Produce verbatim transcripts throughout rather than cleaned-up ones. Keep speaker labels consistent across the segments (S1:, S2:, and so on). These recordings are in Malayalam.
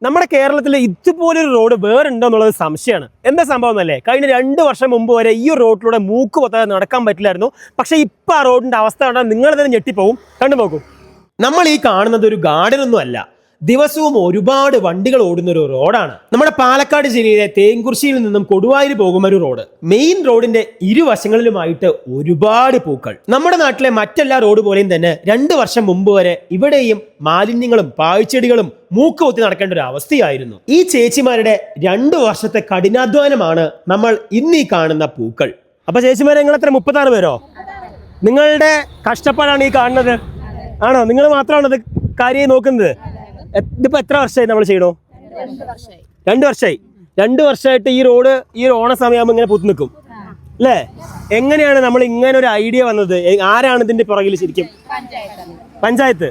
S1: നമ്മുടെ കേരളത്തിൽ ഇതുപോലൊരു റോഡ് വേറെ ഉണ്ടോ എന്നുള്ളത് സംശയമാണ്. എന്താ സംഭവം എന്നല്ലേ, കഴിഞ്ഞ രണ്ട് വർഷം മുമ്പ് വരെ ഈ റോഡിലൂടെ മൂക്ക് പൊത്താതെ നടക്കാൻ പറ്റില്ലായിരുന്നു. പക്ഷേ ഇപ്പം ആ റോഡിൻ്റെ അവസ്ഥ കണ്ടാൽ നിങ്ങൾ തന്നെ ഞെട്ടിപ്പോവും. കണ്ടു നോക്കൂ. നമ്മൾ ഈ കാണുന്നത് ഒരു ഗാർഡൻ ഒന്നും അല്ല, ദിവസവും ഒരുപാട് വണ്ടികൾ ഓടുന്ന ഒരു റോഡാണ്. നമ്മുടെ പാലക്കാട് ജില്ലയിലെ തേങ്കുറിശ്ശിയിൽ നിന്നും കൊടുവായൂർ പോകുന്ന ഒരു റോഡ്. മെയിൻ റോഡിന്റെ ഇരുവശങ്ങളിലുമായിട്ട് ഒരുപാട് പൂക്കൾ. നമ്മുടെ നാട്ടിലെ മറ്റെല്ലാ റോഡ് പോലെയും തന്നെ രണ്ട് വർഷം മുമ്പ് വരെ ഇവിടെയും മാലിന്യങ്ങളും പാഴ്ചെടികളും മൂക്ക് പൊത്തി നടക്കേണ്ട ഒരു അവസ്ഥയായിരുന്നു. ഈ ചേച്ചിമാരുടെ രണ്ടു വർഷത്തെ കഠിനാധ്വാനമാണ് നമ്മൾ ഇന്ന് ഈ കാണുന്ന പൂക്കൾ. അപ്പൊ ചേച്ചിമാരെ, നിങ്ങൾ എത്ര മുപ്പത്താറ് പേരോ? നിങ്ങളുടെ കഷ്ടപ്പാടാണ് ഈ കാണുന്നത്. ആണോ? നിങ്ങൾ മാത്രമാണോ ഇത് കാര്യമായി നോക്കുന്നത്? ഇതിപ്പോ എത്ര വർഷമായി നമ്മൾ ചെയ്യണോ? രണ്ടു വർഷമായി. രണ്ടു വർഷമായിട്ട് ഈ റോഡ് ഈ ഒരു ഓണ സമയമാകുമ്പോൾ ഇങ്ങനെ പൂത്ത് നിൽക്കും അല്ലേ? എങ്ങനെയാണ് നമ്മൾ ഇങ്ങനെ ഒരു ഐഡിയ വന്നത്? ആരാണ് ഇതിന്റെ പുറകിൽ ശരിക്കും? പഞ്ചായത്ത്.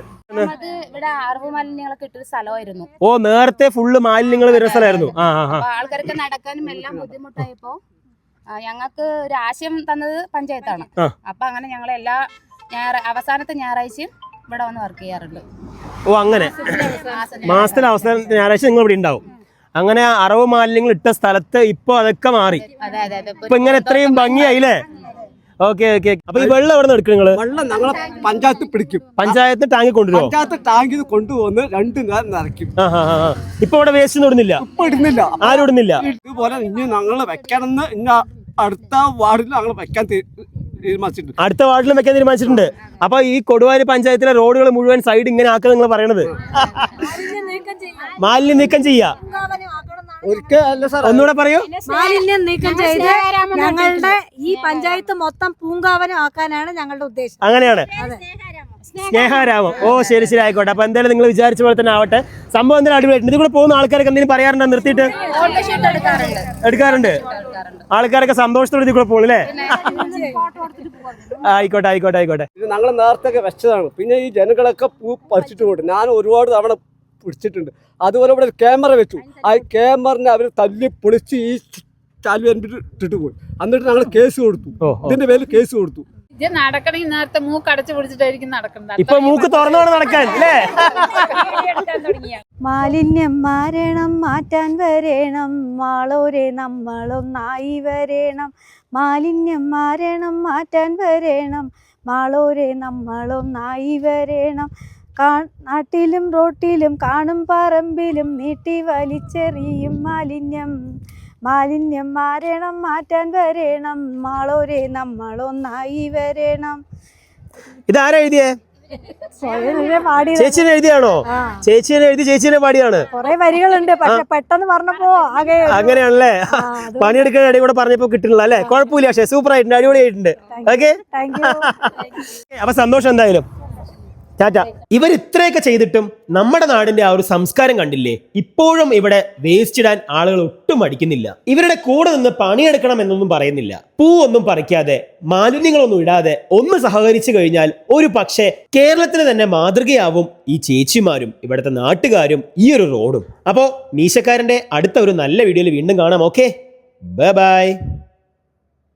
S1: ഓ, നേരത്തെ ഫുള്ള് മാലിന്യങ്ങൾ വരുന്ന സ്ഥലമായിരുന്നു. ആ
S2: ആൾക്കാർക്ക് നടക്കാനും എല്ലാം ബുദ്ധിമുട്ടായപ്പോ ഞങ്ങൾക്ക് ഒരു ആശയം തന്നത് പഞ്ചായത്താണ്. അപ്പൊ അങ്ങനെ ഞങ്ങൾ എല്ലാ അവസാനത്തെ ഞായറാഴ്ചയും ഇവിടെ വന്ന് വർക്ക് ചെയ്യാറുണ്ട്.
S1: ഓ, അങ്ങനെ മാസത്തിലെ അവസാനം ഞായറാഴ്ച നിങ്ങൾ ഇവിടെ ഉണ്ടാവും. അങ്ങനെ അറവ് മാലിന്യങ്ങൾ ഇട്ട സ്ഥലത്ത് ഇപ്പൊ അതൊക്കെ മാറി. ഇപ്പൊ ഇങ്ങനെ എത്രയും ഭംഗിയായില്ലേ? Okay okay. അപ്പൊ ഈ വെള്ളം എവിടെ നിന്ന് എടുക്കും നിങ്ങള്?
S3: വെള്ളം ഞങ്ങളെ പഞ്ചായത്ത് പിടിക്കും.
S1: പഞ്ചായത്ത് ടാങ്കി കൊണ്ടുവരും.
S3: പഞ്ചായത്ത് ടാങ്കിൽ കൊണ്ടുവന്ന് രണ്ടു നേരം നിറയ്ക്കും.
S1: ഇപ്പൊ ഇവിടെ വേസ്റ്റ് ഒന്നും ഇടുന്നില്ല.
S3: ഇപ്പൊ ഇടുന്നില്ല,
S1: ആരും ഇടുന്നില്ല.
S3: ഇതുപോലെ ഇനി ഞങ്ങൾ വെക്കണമെന്ന് ഇനി അടുത്ത വാർഡിൽ ഞങ്ങൾ വെക്കാൻ തീരുമാനിച്ചിട്ടുണ്ട്.
S1: അടുത്ത വാർഡിലും വെക്കാൻ തീരുമാനിച്ചിട്ടുണ്ട്. അപ്പൊ ഈ കൊടുവായൂർ പഞ്ചായത്തിലെ റോഡുകൾ മുഴുവൻ സൈഡ് ഇങ്ങനെ ആക്കുക നിങ്ങൾ പറയണത്? മാലിന്യം നീക്കം ചെയ്യാ. ഒന്നുകൂടെ പറയൂ.
S4: മാലിന്യം നീക്കം ചെയ്ത് ഞങ്ങളുടെ ഈ പഞ്ചായത്ത് മൊത്തം പൂങ്കാവനം ആക്കാനാണ് ഞങ്ങളുടെ ഉദ്ദേശം.
S1: അങ്ങനെയാണ്. സ്നേഹാരാമം. ഓ, ശരി ശരി, ആയിക്കോട്ടെ. അപ്പൊ എന്തായാലും നിങ്ങൾ വിചാരിച്ച പോലെ തന്നെ ആവട്ടെ. സംഭവം എന്തായാലും അടിപൊളിയായിട്ടുണ്ട്. ഇതിൽ കൂടെ പോകുന്ന ആൾക്കാരൊക്കെ എന്തെങ്കിലും പറയാറുണ്ടോ? നിർത്തിയിട്ട് എടുക്കാറുണ്ട്. ആൾക്കാരൊക്കെ സന്തോഷത്തോടെ ഇതിൽ കൂടെ പോകും അല്ലേ? ആയിക്കോട്ടെ ആയിക്കോട്ടെ ആയിക്കോട്ടെ.
S3: ഇത് ഞങ്ങൾ നേരത്തെ വെച്ചതാണ്. പിന്നെ ഈ ജനങ്ങളൊക്കെ പൂ പറിച്ചിട്ട് പോയിട്ട് ഞാൻ ഒരുപാട് തവണ പിടിച്ചിട്ടുണ്ട്. അതുപോലെ ഇവിടെ ഒരു ക്യാമറ വെച്ചു. ആ ക്യാമറിനെ അവർ തല്ലി പൊളിച്ച് ഈ ചാലു ഇട്ടിട്ട് പോയി. എന്നിട്ട് ഞങ്ങൾ കേസ് കൊടുത്തു. ഇതിന്റെ പേരിൽ കേസ് കൊടുത്തു.
S2: ഇത് നടക്കണമെങ്കിൽ നേരത്തെ മൂക്ക് അടച്ചു പിടിച്ചിട്ടായിരിക്കും നടക്കുന്നത്.
S1: ഇപ്പൊ മൂക്ക് തുറന്നോടെ നടക്കാൻ അല്ലേ?
S4: മാലിന്യം മാറണം, മാറ്റാൻ വരേണം, മാളോരെ നമ്മളൊന്നായി വരേണം. മാലിന്യം മാറണം, മാറ്റാൻ വരേണം, മാളോരെ നമ്മളൊന്നായി വരേണം. കാ നാട്ടിലും റോട്ടിലും കാണും പറമ്പിലും നീട്ടി വലിച്ചെറിയും മാലിന്യം. മാലിന്യം മാറണം, മാറ്റാൻ വരേണം, മാളോരെ നമ്മളൊന്നായി വരേണം.
S1: ഇതാരാ എഴുതിയേ? ചേച്ചിനെ എഴുതിയാണോ? ചേച്ചിനെ എഴുതി ചേച്ചിനെ പാടിയാണ്.
S4: കുറെ വരികളുണ്ട്, പക്ഷെ പെട്ടെന്ന് പറഞ്ഞപ്പോ ആകെ
S1: അങ്ങനെയാണല്ലേ? പണിയെടുക്കുന്ന അടി കൂടെ പറഞ്ഞപ്പോ കിട്ടുന്നില്ല അല്ലേ? കുഴപ്പമില്ല, പക്ഷേ സൂപ്പർ ആയിട്ടുണ്ട്, അടിപൊളിയായിട്ടുണ്ട്. ഓക്കെ, അപ്പൊ സന്തോഷം എന്തായാലും. ടാറ്റ. ഇവർ ഇത്രയൊക്കെ ചെയ്തിട്ടും നമ്മുടെ നാടിന്റെ ആ ഒരു സംസ്കാരം കണ്ടില്ലേ? ഇപ്പോഴും ഇവിടെ വേസ്റ്റ് ഇടാൻ ആളുകൾ ഒട്ടും മടിക്കുന്നില്ല. ഇവരുടെ കൂടെ നിന്ന് പണിയെടുക്കണം എന്നൊന്നും പറയുന്നില്ല. പൂ ഒന്നും പറിക്കാതെ മാലിന്യങ്ങളൊന്നും ഇടാതെ ഒന്ന് സഹകരിച്ചു കഴിഞ്ഞാൽ ഒരു പക്ഷേ കേരളത്തിന് തന്നെ മാതൃകയാവും ഈ ചേച്ചിമാരും ഇവിടുത്തെ നാട്ടുകാരും ഈ ഒരു റോഡും. അപ്പോ മീശക്കാരന്റെ അടുത്ത ഒരു നല്ല വീഡിയോയിൽ വീണ്ടും കാണാം. Okay, bye by.